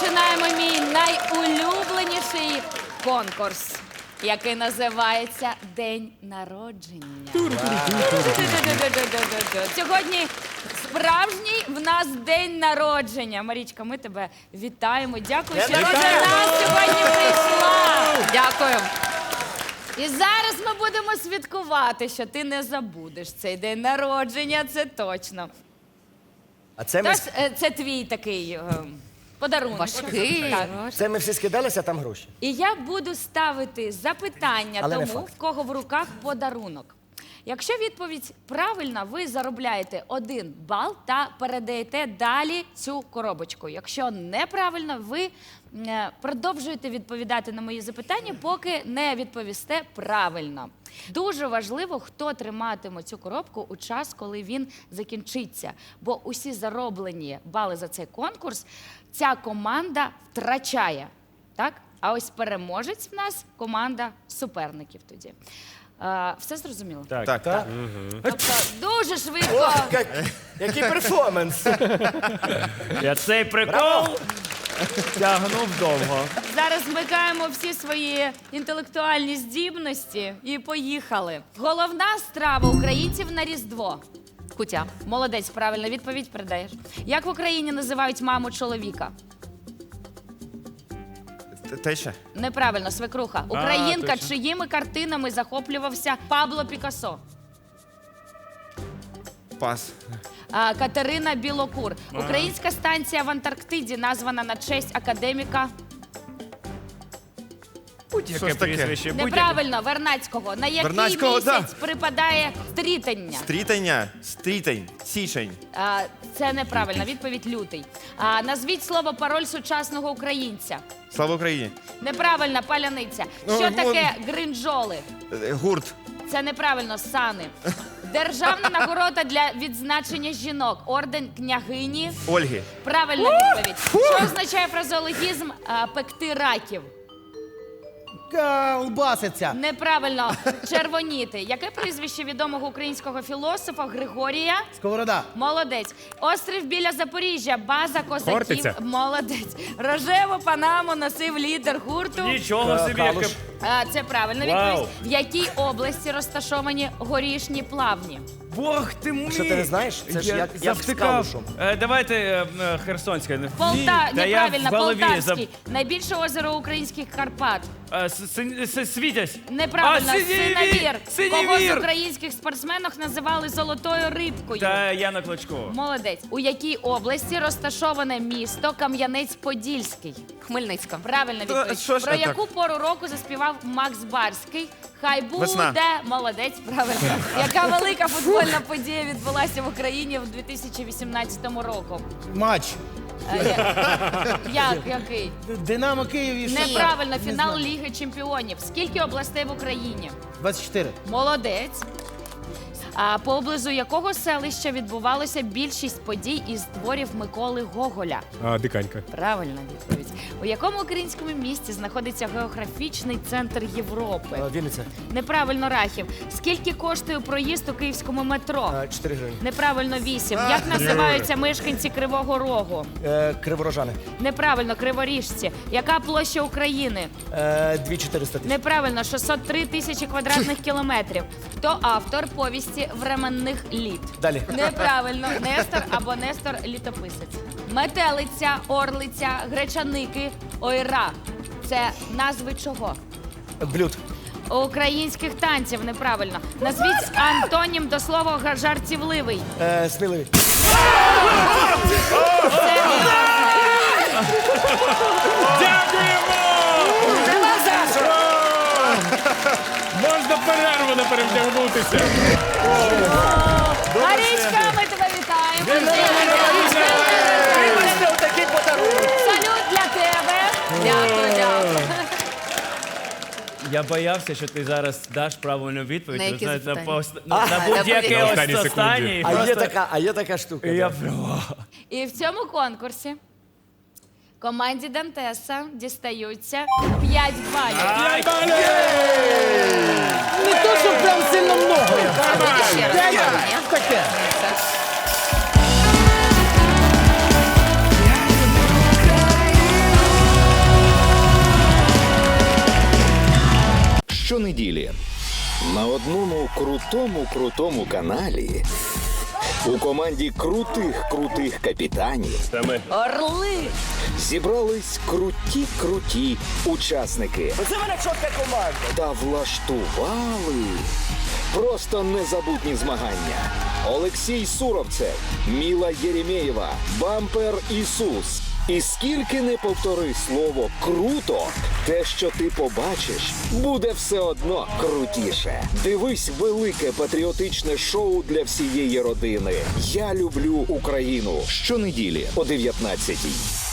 Починаємо мій найулюбленіший конкурс, який називається День народження. Сьогодні справжній в нас день народження. Марічка, ми тебе вітаємо. Дякую, що ти до нас сьогодні прийшла. Дякую. І зараз ми будемо святкувати, що ти не забудеш цей день народження, це точно. А це ми, Тож, це твій такий подарунок. Важкий. Так. це ми всі скидалися, а там гроші. І я буду ставити запитання Але не тому, факт. в кого в руках подарунок. Якщо відповідь правильна, ви заробляєте 1 бал та передаєте далі цю коробочку. Якщо неправильно, ви продовжуєте відповідати на мої запитання, поки не відповісте правильно. Дуже важливо, хто триматиме цю коробку у час, коли він закінчиться. Бо усі зароблені бали за цей конкурс ця команда втрачає. Так? А ось переможець в нас команда суперників тоді. Все зрозуміло? Так. Тобто дуже швидко. О, який перформанс! Я цей прикол тягнув довго. Зараз вмикаємо всі свої інтелектуальні здібності і поїхали. Головна страва українців на Різдво. Кутя. Молодець, правильно, відповідь передаєш. Як в Україні називають маму чоловіка? Теща? Неправильно, свекруха. Українка, точно. чиїми картинами захоплювався Пабло Пікассо? Пас. Катерина Білокур. Українська станція в Антарктиді названа на честь академіка. Будь-яке прізвище. Неправильно, Вернадського. На який Вернадського, місяць припадає стрітання? Стрітень, січень. Це неправильно. Відповідь лютий. Назвіть слово пароль сучасного українця. Слава Україні. Неправильно, паляниця. Що таке гринджоли? Гурт. Це неправильно, сани. Державна нагорода для відзначення жінок. Орден княгині. Ольги. Правильна відповідь. Що означає фразеологізм пекти раків? Колбаситься. Неправильно. Червоніти. Яке прізвище відомого українського філософа Григорія? Сковорода. Молодець. Острів біля Запоріжжя. База козаків. Хортиця. Молодець. Рожеву панаму носив лідер гурту. Нічого собі, яке... Це правильна Вау. відповідь. В якій області розташовані горішні плавні? Бог ти мій! Що ти не знаєш? Це ж Я як з завтикав. Калушем. Давайте Херсонська. Неправильно, Полтавський. Полтавський. Найбільше озеро українських Карпат. Світязь. Неправильно, Синевір. Кого з Синевір. українських спортсменок називали золотою рибкою? Та Яна Клочкова. Молодець. У якій області розташоване місто Кам'янець-Подільський? Хмельницька. Правильна відповідь. що ж Про так? яку пору року заспівав Макс Барський? Хай буде. Весна. Молодець, правильно. Яка велика футбольна подія відбулася в Україні в 2018 року? Матч. Який? Динамо Київ і що? Неправильно, Не фінал знаю. Ліги Чемпіонів. Скільки областей в Україні? 24. Молодець. Поблизу якого селища відбувалося більшість подій із творів Миколи Гоголя? Диканька. Правильна відповідь. У якому українському місті знаходиться географічний центр Європи? Вінниця. Неправильно, Рахів. Скільки коштує проїзд у київському метро? 4 гривні. Неправильно, 8. Як називаються мешканці Кривого Рогу? Криворожани. Неправильно, Криворіжці. Яка площа України? 2400 тисяч. Неправильно, 603 тисячі квадратних кілометрів. Хто автор повісті «Временних літ»? Далі. Неправильно, Нестор або Нестор Літописець. Метелиця, орлиця, гречаники, ойра. Це назви чого? Блюд. Українських танців, неправильно. Назвіть антонім до слова жартівливий. Сміливий. Дякуємо! Можна перерву не перевдягнутися. Марічка, ми тебе вітаємо. Це отакий подарунок. Салют для тебе. Дякую, дякую. Я боявся, що ти зараз даш правильну відповідь. На Ви які знаєте, запитання? на будь-яке На останній ось секунді. останнє. А є така штука. І я да. прям... І в цьому конкурсі команді Дантеса дістаються 5 балів. Не то, що прям сильно много. Буде ще раз. Ні? Таке. Все. крутому каналі у команді крутих капітанів Орли! зібрались круті учасники Оце мене чотка команда. та влаштували просто незабутні змагання. Олексій Суровцев, Міла Єремєєва, Бампер Ісус. І скільки не повтори слово «круто», те, що ти побачиш, буде все одно крутіше. Дивись велике патріотичне шоу для всієї родини. «Я люблю Україну» щонеділі о 19-й.